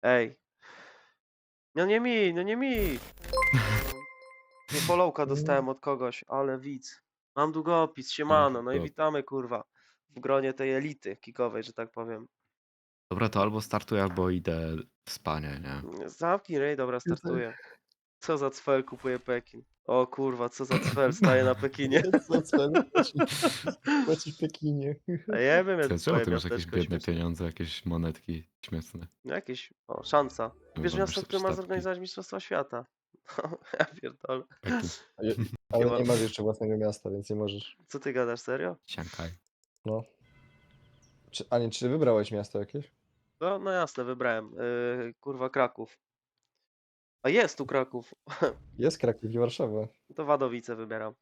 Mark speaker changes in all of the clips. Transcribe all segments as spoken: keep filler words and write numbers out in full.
Speaker 1: Ej. No nie mi, no nie mi! Nie followka dostałem od kogoś, ale widz. Mam długopis, siemano, no i
Speaker 2: Długopis.
Speaker 1: witamy kurwa. W gronie tej elity kikowej, że tak powiem.
Speaker 2: Dobra, to albo startuję, albo idę w spanie, nie?
Speaker 1: Zamknij rej, dobra, startuję. Co za cfel kupuje Pekin? O kurwa, co za cfel staje na Pekinie.
Speaker 3: Co cel? Płacisz w Pekinie.
Speaker 1: A ja wiem,
Speaker 2: Ty,
Speaker 1: jak
Speaker 2: czemu
Speaker 1: twoje
Speaker 2: ty masz jakieś
Speaker 1: miasteczko
Speaker 2: biedne
Speaker 1: śmieszne.
Speaker 2: pieniądze, jakieś monetki śmieszne?
Speaker 1: No jakieś, o, szansa. Wiesz,
Speaker 2: Robisz
Speaker 1: miasto,
Speaker 2: sobie
Speaker 1: które ma
Speaker 2: statki.
Speaker 1: zorganizować Mistrzostwa Świata. Ja pierdolę.
Speaker 2: Pekin.
Speaker 3: Ale, ale nie masz jeszcze własnego miasta, więc nie możesz.
Speaker 1: Co ty gadasz, serio?
Speaker 2: Siankaj.
Speaker 3: No. Czy, a nie, czy wybrałeś miasto jakieś?
Speaker 1: No, no jasne, wybrałem. Yy, kurwa, Kraków. A jest tu Kraków.
Speaker 3: Jest Kraków i Warszawa.
Speaker 1: To Wadowice wybieram.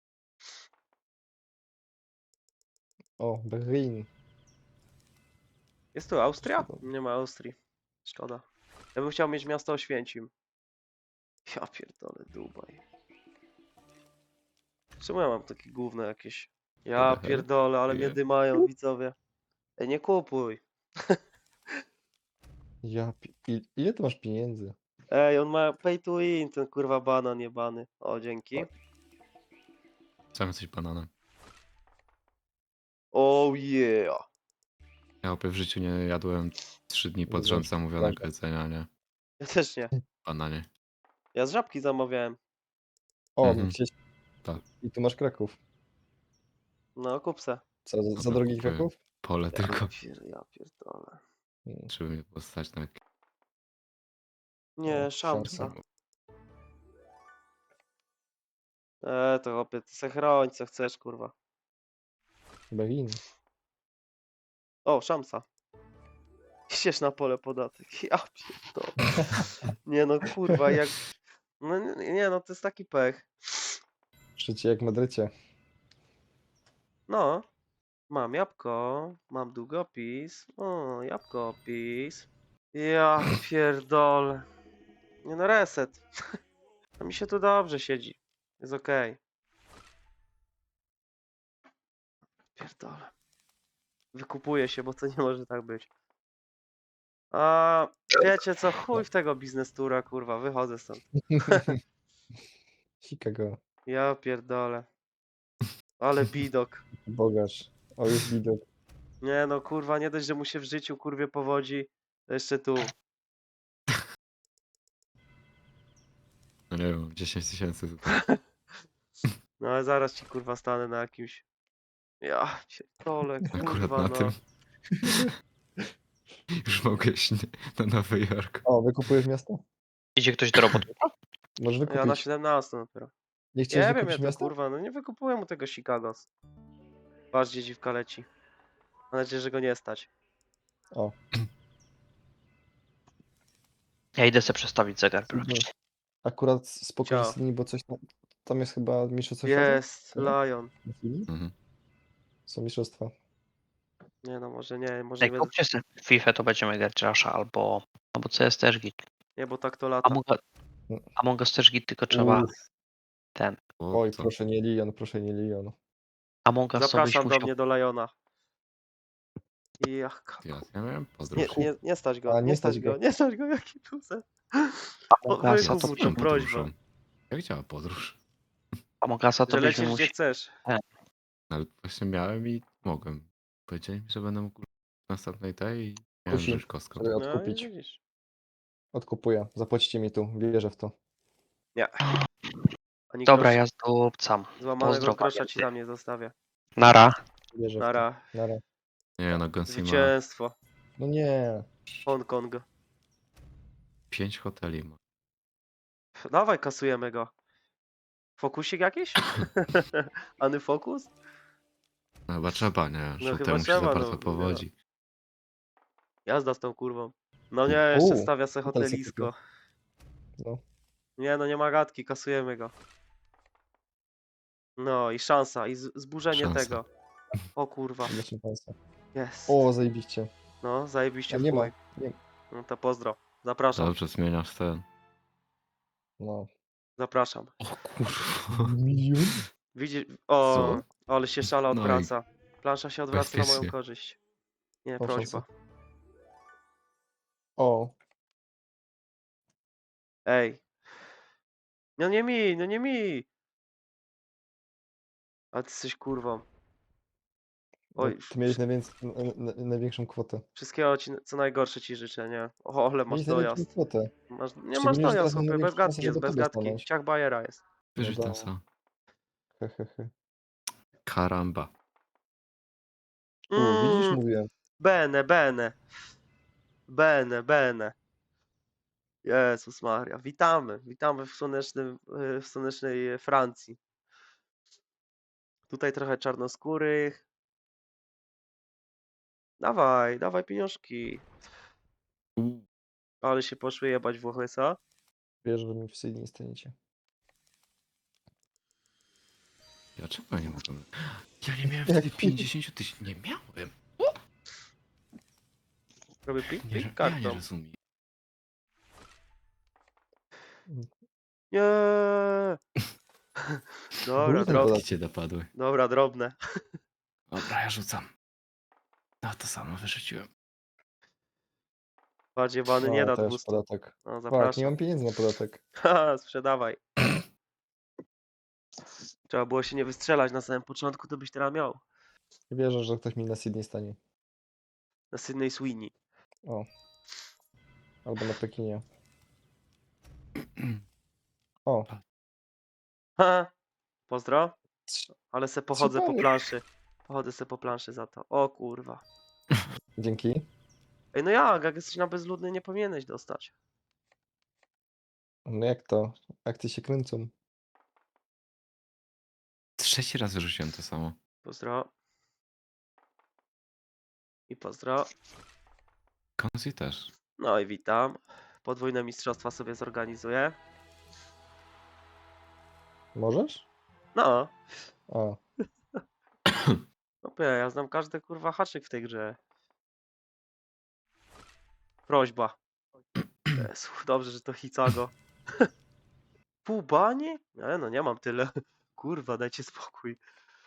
Speaker 3: O, Berlin.
Speaker 1: Jest tu Austria? Nie ma Austrii. Szkoda. Ja bym chciał mieć miasto Oświęcim. Ja pierdolę, Dubaj. Czemu ja mam takie gówno jakieś? Ja
Speaker 2: Hehe.
Speaker 1: pierdolę, ale mnie
Speaker 2: Nie.
Speaker 1: dymają widzowie. Ej, nie kupuj.
Speaker 3: Ja, pi- il- ile ty masz pieniędzy?
Speaker 1: Ej, on ma pay to win, ten kurwa banan jebany. O, dzięki.
Speaker 2: Sam jesteś bananem.
Speaker 1: Oh yeah.
Speaker 2: Ja opie w życiu nie jadłem trzy dni pod
Speaker 3: Nie
Speaker 2: rząd
Speaker 3: wiem,
Speaker 2: zamówionego
Speaker 3: prawda.
Speaker 2: jedzenia, nie?
Speaker 1: Ja też nie.
Speaker 2: Bananie.
Speaker 1: Ja z żabki zamawiałem.
Speaker 3: O,
Speaker 2: Mhm.
Speaker 3: gdzieś.
Speaker 2: Tak.
Speaker 3: I tu masz Kraków.
Speaker 1: No, kup se.
Speaker 3: Co, za, za
Speaker 2: Dobra,
Speaker 3: drogi
Speaker 2: kupuję.
Speaker 3: Kraków?
Speaker 2: Pole
Speaker 1: Ja,
Speaker 2: tylko,
Speaker 1: pier, ja pierdolę.
Speaker 3: Mm,
Speaker 2: żeby mnie postać na jakieś...
Speaker 1: Nie,
Speaker 3: O,
Speaker 1: szamsa.
Speaker 3: szansa.
Speaker 1: Eee, to chłopie, ty se chroń, co chcesz, kurwa.
Speaker 3: Berlin.
Speaker 1: O, szamsa. Idziesz na pole podatek. Ja pierdolę. Nie no, kurwa, jak... No nie, nie, no to jest taki pech.
Speaker 3: Życie jak w Madrycie.
Speaker 1: No. Mam jabłko, mam długopis. O, jabłkopis. Ja pierdolę. Nie no, reset. A mi się tu dobrze siedzi. Jest okej. Pierdolę. Wykupuję się, bo to nie może tak być. A wiecie co? Chuj w tego biznes tura, kurwa. Wychodzę stąd.
Speaker 3: Chicago.
Speaker 1: Ja pierdolę. Ale bidok.
Speaker 3: Bogacz. O, jest widok.
Speaker 1: Nie no, kurwa, nie dość, że mu się w życiu kurwie powodzi, to jeszcze tu.
Speaker 2: No nie wiem, dziesięć tysięcy tutaj.
Speaker 1: No ale zaraz ci kurwa stanę na jakimś... Ja pierdolę,
Speaker 2: Akurat
Speaker 1: kurwa,
Speaker 2: na
Speaker 1: no.
Speaker 2: tym. Już mogę iść na Nowy Jork.
Speaker 3: O, wykupujesz miasto?
Speaker 4: Idzie ktoś do roboty?
Speaker 3: Możesz
Speaker 1: Ja na
Speaker 3: wykupić.
Speaker 1: siedemnastym dopiero.
Speaker 3: Nie chciałeś
Speaker 1: Nie wiem, ja
Speaker 3: wykupić
Speaker 1: to
Speaker 3: miasta?
Speaker 1: kurwa, no nie wykupuję mu tego Chicagos. Patrz, gdzie dziwka leci. Mam nadzieję, że go nie stać.
Speaker 3: O,
Speaker 4: Ja idę sobie przestawić zegar biologiczny.
Speaker 3: akurat spoko
Speaker 1: Ciao.
Speaker 3: jest linii, bo coś tam, tam jest chyba mistrzostwo świata?
Speaker 1: Jest,
Speaker 3: Nie?
Speaker 1: Lion.
Speaker 3: Na chwili?
Speaker 2: Mhm.
Speaker 3: Są mistrzostwa.
Speaker 1: Nie no, może nie, może nie
Speaker 4: Jak
Speaker 1: będę...
Speaker 4: kupcie sobie FIFA, to będziemy grać Rasha albo... Albo C S też git.
Speaker 1: Nie, bo tak to lata.
Speaker 4: Among, Among Us też git, tylko trzeba
Speaker 3: Uff.
Speaker 4: ten...
Speaker 2: O,
Speaker 3: Oj,
Speaker 2: to.
Speaker 3: proszę nie Leon, proszę nie Leon.
Speaker 4: Among Us to byś
Speaker 1: Zapraszam do
Speaker 4: musiał...
Speaker 1: mnie, do Liona. I jak...
Speaker 2: Ja, ja miałem
Speaker 1: Nie,
Speaker 2: podróż.
Speaker 1: nie, nie stać go,
Speaker 3: A,
Speaker 1: nie,
Speaker 3: nie
Speaker 1: stać
Speaker 3: stać
Speaker 1: go,
Speaker 3: go.
Speaker 1: nie stać go, jaki tuzet.
Speaker 4: Among
Speaker 1: O,
Speaker 4: Usa
Speaker 1: wykup
Speaker 4: to
Speaker 1: mu
Speaker 2: Co
Speaker 1: tą
Speaker 2: tą
Speaker 1: prośbę,
Speaker 2: podróżą? Jak działa podróż?
Speaker 4: Among Usa to
Speaker 1: że
Speaker 4: byśmy
Speaker 1: lecisz gdzie
Speaker 4: musieli...
Speaker 1: chcesz.
Speaker 2: Ale właśnie miałem i mogłem. Powiedzieli mi, że będę mógł w następnej tej i miałem
Speaker 3: Kusi.
Speaker 2: wziąć kostkę.
Speaker 3: Sobie
Speaker 1: No i
Speaker 3: odkupić.
Speaker 1: widzisz.
Speaker 3: Odkupuję. Zapłacicie mi tu. Wierzę w to.
Speaker 1: Nie. Ani
Speaker 4: Dobra,
Speaker 1: grosz,
Speaker 4: ja zdobcam.
Speaker 1: złamanego
Speaker 4: Pozdro,
Speaker 1: grosza ci
Speaker 4: pamiętaj.
Speaker 1: tam nie zostawię.
Speaker 4: Nara.
Speaker 3: Wierzę w to.
Speaker 1: Nara.
Speaker 3: Nara.
Speaker 2: Nie no, Gonsima
Speaker 1: Zwycięstwo.
Speaker 3: No nie.
Speaker 1: Hongkong.
Speaker 2: pięć hoteli ma.
Speaker 1: Dawaj, kasujemy go. Fokusik jakiś? Any fokus?
Speaker 2: No chyba trzeba, nie?
Speaker 1: No
Speaker 2: Żółtemu
Speaker 1: chyba
Speaker 2: się
Speaker 1: trzeba,
Speaker 2: za
Speaker 1: no,
Speaker 2: bardzo
Speaker 1: no
Speaker 2: powodzi.
Speaker 1: Jazda z tą kurwą. No nie, jeszcze
Speaker 3: U,
Speaker 1: stawia se
Speaker 3: hotel se
Speaker 1: hotelisko.
Speaker 3: No.
Speaker 1: Nie no, nie ma gadki, kasujemy go. No i szansa, i z- zburzenie
Speaker 2: Szansa.
Speaker 1: tego. O kurwa,
Speaker 3: Proszę państwa.
Speaker 1: jest.
Speaker 3: O, zajebiście.
Speaker 1: No, zajebiście
Speaker 3: A
Speaker 1: w
Speaker 3: nie ma.
Speaker 1: chuj.
Speaker 3: Nie.
Speaker 1: No to pozdro. Zapraszam,
Speaker 2: Dobrze, zmieniasz ten.
Speaker 3: No.
Speaker 1: zapraszam.
Speaker 2: O kurwa.
Speaker 3: Milion?
Speaker 1: Widzisz, o,
Speaker 2: Co?
Speaker 1: ale się szala
Speaker 2: No i
Speaker 1: odwraca. Plansza się odwraca na moją
Speaker 2: bezpiecznie.
Speaker 1: korzyść. Nie,
Speaker 3: O,
Speaker 1: prośba.
Speaker 3: szansa. O,
Speaker 1: Ej. No nie mi, no nie mi. A ty jesteś kurwą.
Speaker 3: No,
Speaker 1: Oj,
Speaker 3: ty miałeś
Speaker 1: wszy-
Speaker 3: najwięcej, na, na, największą kwotę.
Speaker 1: wszystkiego ci, co najgorsze ci życzę, nie? O, ale masz
Speaker 3: Miałeś największą
Speaker 1: dojazd.
Speaker 3: kwotę.
Speaker 1: Masz, nie masz
Speaker 3: Szczególnie, że teraz
Speaker 1: dojazd,
Speaker 3: masz
Speaker 1: chłopie, bez
Speaker 3: największą szansę,
Speaker 1: gadki jest,
Speaker 3: żeby
Speaker 1: bez
Speaker 3: to
Speaker 1: gadki.
Speaker 3: dostanąć.
Speaker 1: Ciach bajera jest.
Speaker 3: No
Speaker 2: Wyrzucam
Speaker 3: da.
Speaker 2: sam.
Speaker 3: He, he, he.
Speaker 2: Karamba.
Speaker 3: U, widzisz,
Speaker 1: Mm,
Speaker 3: mówiłem.
Speaker 1: bene, bene. Bene, bene. Jezus Maria. Witamy, witamy w słonecznym, y, w słonecznej Francji. Tutaj trochę czarnoskórych. Dawaj, dawaj pieniążki.
Speaker 2: U,
Speaker 1: Ale się poszły jebać Włochy, co?
Speaker 3: Wiesz, że mi w Sydney nie staniecie.
Speaker 2: ja czego ja nie mogłem? Ja nie miałem
Speaker 3: Jak
Speaker 2: wtedy pięćdziesiąt tysięcy. Nie miałem.
Speaker 1: Robię pik,
Speaker 2: Nie,
Speaker 1: pik
Speaker 2: ro- ja
Speaker 1: kartą.
Speaker 2: nie rozumiem.
Speaker 1: Nie. Dobra,
Speaker 3: Duży ten
Speaker 1: drobne.
Speaker 3: podatek.
Speaker 2: Cię dopadły.
Speaker 1: Dobra, drobne.
Speaker 2: Dobra, ja rzucam. No to samo wyrzuciłem.
Speaker 1: Bardziej bany nie
Speaker 3: No,
Speaker 1: da
Speaker 3: też
Speaker 1: dwustu.
Speaker 3: podatek.
Speaker 1: No,
Speaker 3: Tak, nie
Speaker 1: zapraszam.
Speaker 3: mam pieniędzy na podatek.
Speaker 1: Haha, sprzedawaj. Trzeba było się nie wystrzelać na samym początku, to byś teraz miał.
Speaker 3: Nie wierzę, że ktoś mi na Sydney stanie.
Speaker 1: Na Sydney Sweeney.
Speaker 3: O. Albo na Pekinie. O.
Speaker 1: Ha! Pozdro.
Speaker 3: Trz-
Speaker 1: Ale se pochodzę po
Speaker 3: panie.
Speaker 1: planszy. Pochodzę se po planszy za to. O kurwa.
Speaker 3: Dzięki.
Speaker 1: Ej, no jak? Jak jesteś na bezludny, nie powinieneś dostać.
Speaker 3: No jak to? Akcje się kręcą.
Speaker 2: Trzeci raz wyrzuciłem to samo.
Speaker 1: Pozdro. I pozdro.
Speaker 2: Konzi też.
Speaker 1: No i witam. Podwójne mistrzostwa sobie zorganizuję.
Speaker 3: Możesz?
Speaker 1: No.
Speaker 3: A.
Speaker 1: No ja znam każdy kurwa haczyk w tej grze. Prośba. Jezu, dobrze, że to Hicago. Pół bani? Ale no nie mam tyle. Kurwa, dajcie spokój.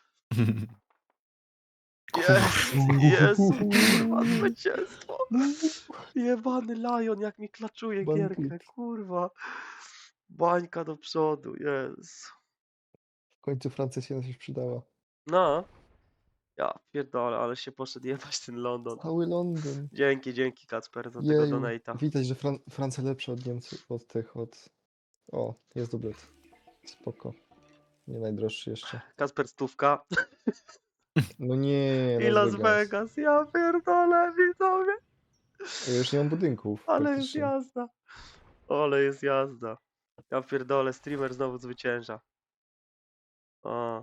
Speaker 1: Jest, Jezu, kurwa, zwycięstwo. Jebany Lion, jak mi klaczuje
Speaker 3: Bańki.
Speaker 1: gierkę, kurwa. Bańka do przodu, Jezu.
Speaker 3: W końcu Francja się na coś przydała.
Speaker 1: No. Ja pierdolę, ale się poszedł jebać ten London.
Speaker 3: Cały Londyn.
Speaker 1: Dzięki, dzięki Kacper za tego
Speaker 3: Jeju.
Speaker 1: donata.
Speaker 3: Widać, że Fran Francja lepsza od Niemców, od tych, od... O, jest dublet. Spoko. Nie najdroższy jeszcze.
Speaker 1: Kacper stówka.
Speaker 3: No nie,
Speaker 1: I Las Vegas, ja pierdolę, widzowie.
Speaker 3: Ja już nie mam budynków.
Speaker 1: Ale jest
Speaker 3: praktycznie.
Speaker 1: jazda. Ale jest jazda. Ja pierdolę, streamer znowu zwycięża. O.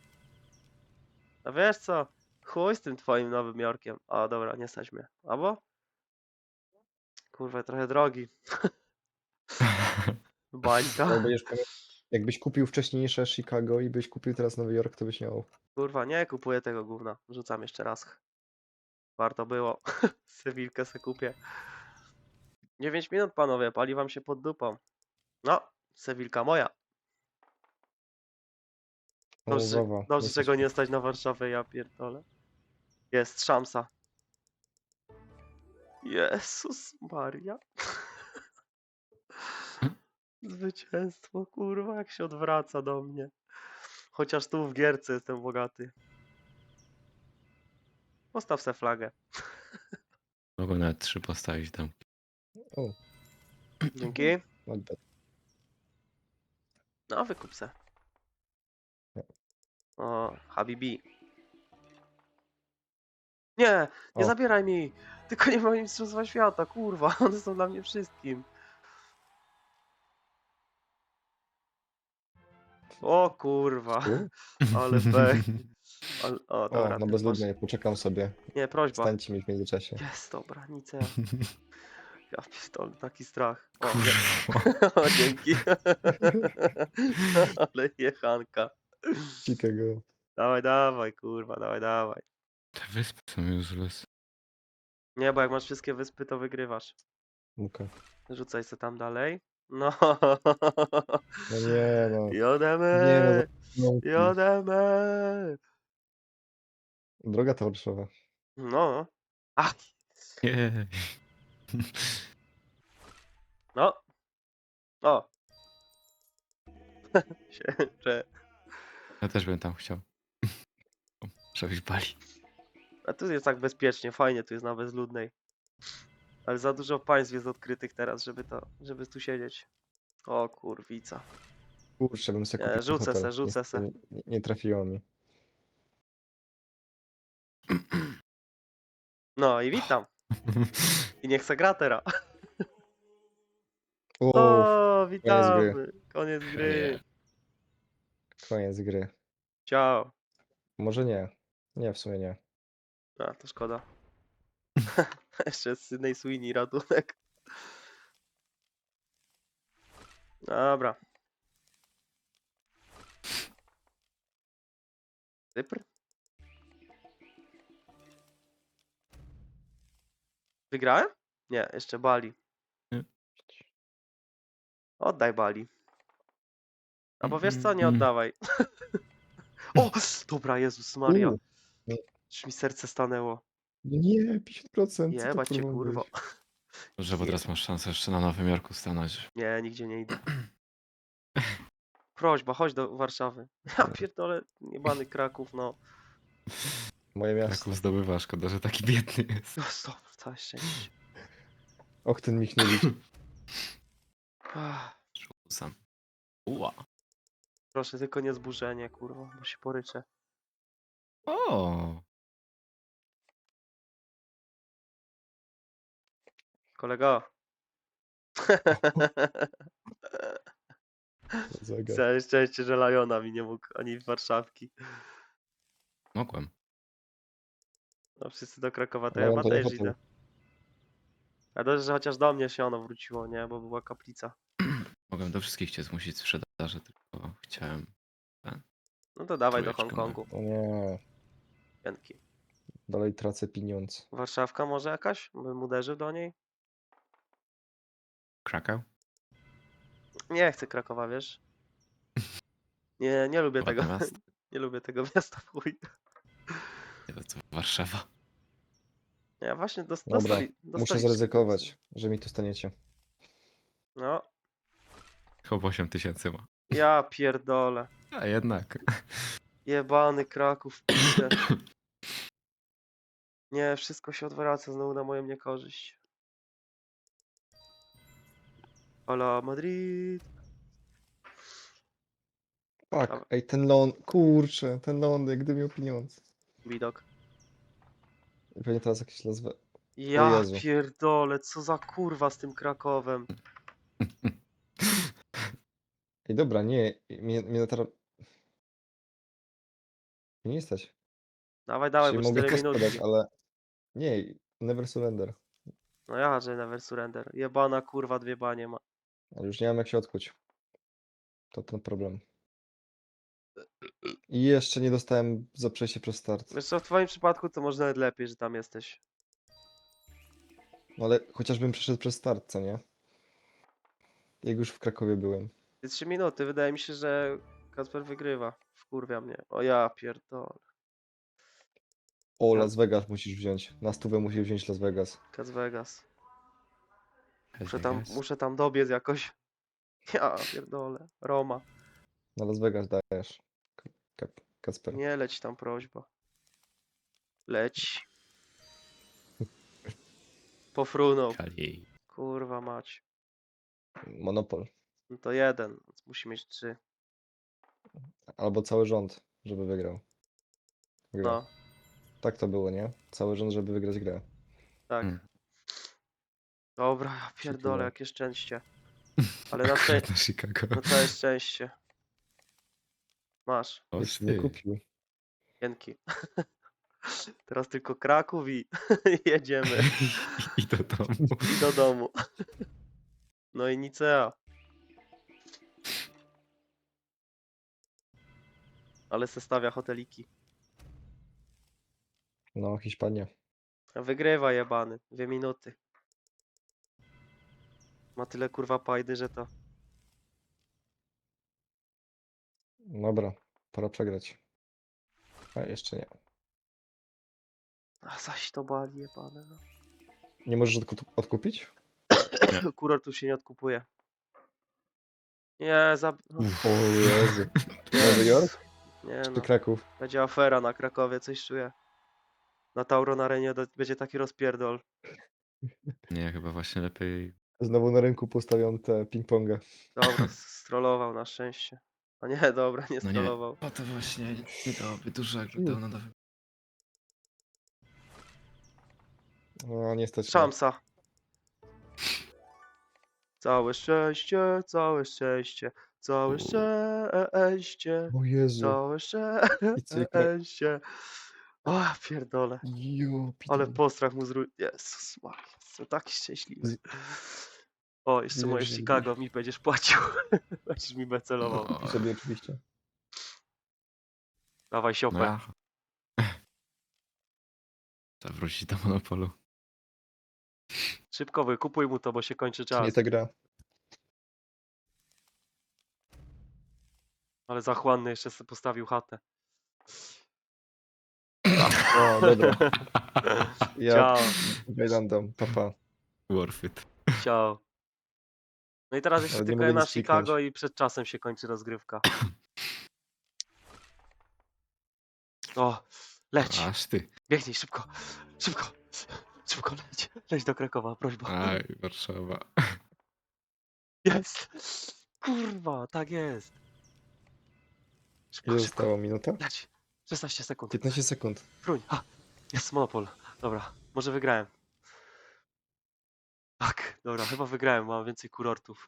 Speaker 1: A wiesz co? Chuj z tym twoim Nowym Jorkiem. A dobra, nie stać mnie. Albo? Kurwa, trochę drogi. Bańka.
Speaker 3: Jak będziesz pamię- Jakbyś kupił wcześniejsze Chicago i byś kupił teraz Nowy Jork, to byś miał.
Speaker 1: Kurwa, nie kupuję tego gówna. Rzucam jeszcze raz. Warto było. Sewilkę se kupię. dziewięć minut, panowie. Pali wam się pod dupą. No, Sewilka moja. Dobrze, że-
Speaker 3: Umowa.
Speaker 1: dobrze że go nie stać na Warszawę, ja pierdolę. Jest szansa. Jezus Maria. Zwycięstwo, kurwa, jak się odwraca do mnie. Chociaż tu w gierce jestem bogaty. Postaw se flagę.
Speaker 2: Mogłem nawet trzy postawić tam.
Speaker 3: O,
Speaker 1: Dzięki.
Speaker 3: not bad.
Speaker 1: No, wykup se. O, Habibi. Nie, nie
Speaker 3: O.
Speaker 1: zabieraj mi. Tylko nie mam mistrzostwa świata, kurwa. One są dla mnie wszystkim. O kurwa,
Speaker 3: Tu?
Speaker 1: ale pech. Ale, o,
Speaker 3: O,
Speaker 1: dobra.
Speaker 3: no
Speaker 1: ty
Speaker 3: bezludnej, poczekam sobie.
Speaker 1: masz- Nie, prośba.
Speaker 3: Stańcie mi w międzyczasie.
Speaker 1: Jest, dobra, nic ja. Ja pierdolę, taki strach. O, nie.
Speaker 2: Kurwa.
Speaker 1: o dzięki. Ale jechanka.
Speaker 3: Chicago.
Speaker 1: Dawaj, dawaj, kurwa, dawaj, dawaj.
Speaker 2: Te wyspy są useless.
Speaker 1: Nie, bo jak masz wszystkie wyspy, to wygrywasz.
Speaker 3: Muka.
Speaker 1: Rzucaj se tam dalej. No.
Speaker 3: No nie no.
Speaker 1: Jodemy!
Speaker 3: Nie no. no.
Speaker 1: Jodemy!
Speaker 3: Droga to Warszawa.
Speaker 1: No. Ach,
Speaker 2: Nie.
Speaker 1: no. O! się, że...
Speaker 2: Ja też bym tam chciał. O, żebyś bali.
Speaker 1: A tu jest tak bezpiecznie, fajnie tu jest na bezludnej. Ale za dużo państw jest odkrytych teraz, żeby to, żeby tu siedzieć. O kurwica.
Speaker 3: Kurczę, bym sobie
Speaker 1: Nie,
Speaker 3: kupił
Speaker 1: rzucę
Speaker 3: hotel.
Speaker 1: se, rzucę
Speaker 3: Niestety
Speaker 1: se.
Speaker 3: Nie, nie trafiło mi.
Speaker 1: No i witam. I niech se gra teraz.
Speaker 3: Uff,
Speaker 1: O,
Speaker 3: koniec gry.
Speaker 1: witamy. Koniec
Speaker 2: Nie.
Speaker 1: gry.
Speaker 3: Koniec gry.
Speaker 1: Ciao.
Speaker 3: Może nie. Nie, w sumie nie.
Speaker 1: A, to szkoda. Jeszcze jest Sydney Sweeney ratunek. Dobra. Cypr? Wygrałem? Nie, jeszcze Bali.
Speaker 2: Nie.
Speaker 1: Oddaj Bali. Albo wiesz co, nie
Speaker 2: Mm.
Speaker 1: oddawaj. O! Dobra, Jezus Maria.
Speaker 3: U, nie,
Speaker 1: Już mi serce stanęło.
Speaker 3: nie, pięćdziesiąt procent. Co to
Speaker 1: Jebać cię,
Speaker 3: kurwa
Speaker 1: kurwa.
Speaker 3: być?
Speaker 2: Dobrze, bo teraz masz szansę jeszcze na Nowym Jorku stanąć.
Speaker 1: Nie, nigdzie nie idę. Prośba, chodź do Warszawy. Ja pierdolę, niebany Kraków, no.
Speaker 3: Moje miasto.
Speaker 2: Kraków zdobywa, szkoda, że taki biedny jest.
Speaker 1: No stop, całe szczęście.
Speaker 3: Och, ten Michniewicz.
Speaker 1: Ach,
Speaker 2: Sam. Ua.
Speaker 1: proszę, tylko nie zburzenie, kurwa, bo się poryczę.
Speaker 2: O.
Speaker 1: Kolego.
Speaker 3: Zegar.
Speaker 1: Całe szczęście, że Lajona mi nie mógł, ani Warszawki.
Speaker 2: Mogłem.
Speaker 1: No wszyscy do Krakowa, to
Speaker 3: Lajon
Speaker 1: ja chyba
Speaker 3: to nie
Speaker 1: też
Speaker 3: hotel.
Speaker 1: idę. A dobrze, że chociaż do mnie się ono wróciło, nie? Bo była kaplica.
Speaker 2: Mogłem do wszystkich cię zmusić sprzedaży, tylko chciałem.
Speaker 1: No to dawaj do
Speaker 2: Trójeczkę
Speaker 1: Hongkongu.
Speaker 3: O nie.
Speaker 1: Piętki.
Speaker 3: Dalej tracę pieniądz.
Speaker 1: Warszawka może jakaś? Bym uderzył do niej?
Speaker 2: Krakow?
Speaker 1: Nie chcę Krakowa, wiesz? Nie, nie lubię
Speaker 2: Ładne
Speaker 1: tego.
Speaker 2: miasto.
Speaker 1: Nie lubię tego miasta w chuj.
Speaker 2: Nie, to co, Warszawa.
Speaker 1: Ja właśnie dos
Speaker 3: Dobra,
Speaker 1: dostali,
Speaker 3: muszę
Speaker 1: dostali
Speaker 3: zaryzykować, że mi to staniecie.
Speaker 1: No,
Speaker 2: Chyba osiem tysięcy ma.
Speaker 1: ja pierdolę.
Speaker 2: A jednak.
Speaker 1: Jebany Kraków, pisze. Nie, wszystko się odwraca znowu na moją niekorzyść. Hola Madrid.
Speaker 3: Tak,
Speaker 1: Dobra.
Speaker 3: ej, ten ląd, kurczę, ten lądek, gdy miał pieniądze.
Speaker 1: Widok.
Speaker 3: I pewnie teraz jakieś nazwę.
Speaker 1: Ja
Speaker 3: Jezu.
Speaker 1: pierdolę, co za kurwa z tym Krakowem.
Speaker 3: Ej, dobra, nie, mnie, mnie teraz... Mnie nie stać.
Speaker 1: Dawaj, dawaj,
Speaker 3: Czyli
Speaker 1: bo
Speaker 3: mogę
Speaker 1: cztery
Speaker 3: też podać,
Speaker 1: minutki.
Speaker 3: ale... Nie, never surrender.
Speaker 1: No ja, że never surrender. Jebana kurwa, dwie banie ma.
Speaker 3: Ale już nie mam jak się odkuć. To ten problem. I jeszcze nie dostałem za przejście przez start.
Speaker 1: Wiesz co, w twoim przypadku to może nawet lepiej, że tam jesteś.
Speaker 3: No ale chociażbym przeszedł przez start, co nie? Jak już w Krakowie byłem.
Speaker 1: Ty trzy minuty, wydaje mi się, że Kacper wygrywa. Wkurwia mnie. O ja pierdolę.
Speaker 3: O,
Speaker 1: Ja-
Speaker 3: Las Vegas musisz wziąć. Na stówę musisz wziąć Las Vegas.
Speaker 1: Las Vegas. Muszę
Speaker 2: Las
Speaker 1: tam,
Speaker 2: Vegas.
Speaker 1: muszę tam dobiec jakoś. Ja pierdolę. Roma.
Speaker 3: Na Las Vegas dajesz. Kap, Kacper.
Speaker 1: Nie leć tam, prośba. Leć. Pofrunął.
Speaker 2: Kali.
Speaker 1: Kurwa mać.
Speaker 3: Monopol.
Speaker 1: No to jeden, więc musi mieć trzy.
Speaker 3: Albo cały rząd, żeby wygrał. Grę.
Speaker 1: No,
Speaker 3: Tak to było, nie? Cały rząd, żeby wygrać grę.
Speaker 1: tak.
Speaker 2: Hmm.
Speaker 1: Dobra, ja pierdolę,
Speaker 3: tyle.
Speaker 1: jakie szczęście. Ale na szczęście.
Speaker 2: Akurat na Chicago.
Speaker 1: No całe szczęście. Masz.
Speaker 2: O,
Speaker 3: Jeszcze nie
Speaker 2: ty.
Speaker 3: kupił.
Speaker 1: Dzięki. Teraz tylko Kraków i jedziemy.
Speaker 2: I do domu.
Speaker 1: I do domu. No i Nicea. Ale se stawia hoteliki.
Speaker 3: No, Hiszpania.
Speaker 1: Wygrywa jebany. Dwie minuty. Ma tyle kurwa pajdy, że to...
Speaker 3: Dobra, pora przegrać. A jeszcze nie.
Speaker 1: A zaś to bali jebane, no.
Speaker 3: Nie możesz odku- odkupić?
Speaker 1: Kurortów się nie odkupuje. Nie, za... no,
Speaker 2: Uff.
Speaker 3: O Jezu. Nowy Jork
Speaker 1: nie
Speaker 3: czy
Speaker 1: no.
Speaker 3: Kraków?
Speaker 1: Będzie afera na Krakowie, coś czuję. Na Tauron Arenie do- będzie taki rozpierdol.
Speaker 2: Nie, chyba właśnie lepiej.
Speaker 3: Znowu na rynku postawią te ping-ponga.
Speaker 1: Dobra, strollował na szczęście. A nie, dobra, nie
Speaker 2: No nie.
Speaker 1: strollował.
Speaker 2: O to właśnie nie dałoby dużo, jakby
Speaker 3: Mm.
Speaker 2: dał na dawę.
Speaker 3: No nie stać mnie.
Speaker 1: Szamsa. Całe szczęście, całe szczęście, całe
Speaker 2: U.
Speaker 1: szczęście,
Speaker 3: O Jezu.
Speaker 1: całe
Speaker 3: I cyknę.
Speaker 1: szczęście. O, pierdolę.
Speaker 3: Jo,
Speaker 1: Ale
Speaker 3: pitol.
Speaker 1: postrach mu zró... Jezus Maria, jestem taki szczęśliwy.
Speaker 3: Z-
Speaker 1: O, jeszcze
Speaker 3: Widzę,
Speaker 1: moje
Speaker 3: że-
Speaker 1: Chicago mi będziesz płacił. Będziesz mi becelował.
Speaker 2: No,
Speaker 3: I sobie oczywiście.
Speaker 1: Dawaj
Speaker 2: no
Speaker 1: siopę.
Speaker 2: ja. Trzeba wrócić do monopolu.
Speaker 1: Szybko wykupuj mu to, bo się kończy
Speaker 3: To nie
Speaker 1: czas.
Speaker 3: ta gra.
Speaker 1: Ale zachłanny jeszcze sobie postawił chatę.
Speaker 3: O, dobra. Ja
Speaker 1: Ciao,
Speaker 3: Wejlandam, papa.
Speaker 2: Worth it.
Speaker 1: ciao. No i teraz jeszcze
Speaker 3: Ale nie
Speaker 1: tylko
Speaker 3: mogę
Speaker 1: na
Speaker 3: nic kliknąć.
Speaker 1: Chicago i przed czasem się kończy rozgrywka. O, leć,
Speaker 2: Aż ty.
Speaker 1: biegnij szybko, szybko, szybko leć, leć do Krakowa, prośba.
Speaker 2: Aj, Warszawa.
Speaker 1: Jest, kurwa, tak jest. Szybko,
Speaker 3: Ile
Speaker 1: szybko,
Speaker 3: zostało? Minuta?
Speaker 1: leć, szesnaście sekund.
Speaker 3: piętnaście sekund.
Speaker 1: Fruń, a, jest monopol, dobra, może wygrałem. Tak, dobra, chyba wygrałem, mam więcej kurortów.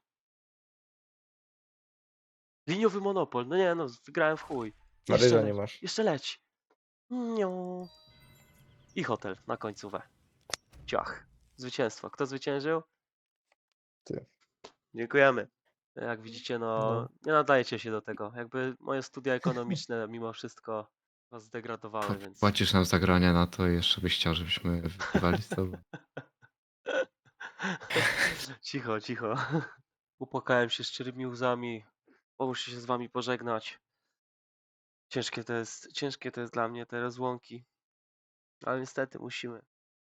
Speaker 1: Liniowy monopol, no nie no, wygrałem w chuj. Jeszcze
Speaker 3: Paryża nie
Speaker 1: leć,
Speaker 3: masz.
Speaker 1: jeszcze leć. Nią. I hotel na końcówę. Ciach. Zwycięstwo. Kto zwyciężył?
Speaker 3: Ty.
Speaker 1: Dziękujemy. Jak widzicie, no,
Speaker 3: No.
Speaker 1: nie nadajecie się do tego. Jakby moje studia ekonomiczne mimo wszystko was zdegradowały, więc...
Speaker 2: Płacisz nam za grania na to i jeszcze byś chciał, żebyśmy wygrywali z tobą.
Speaker 1: Cicho, cicho. Upłakałem się szczerymi łzami. Muszę się z wami pożegnać. Ciężkie to jest, ciężkie to jest dla mnie te rozłąki. Ale niestety musimy.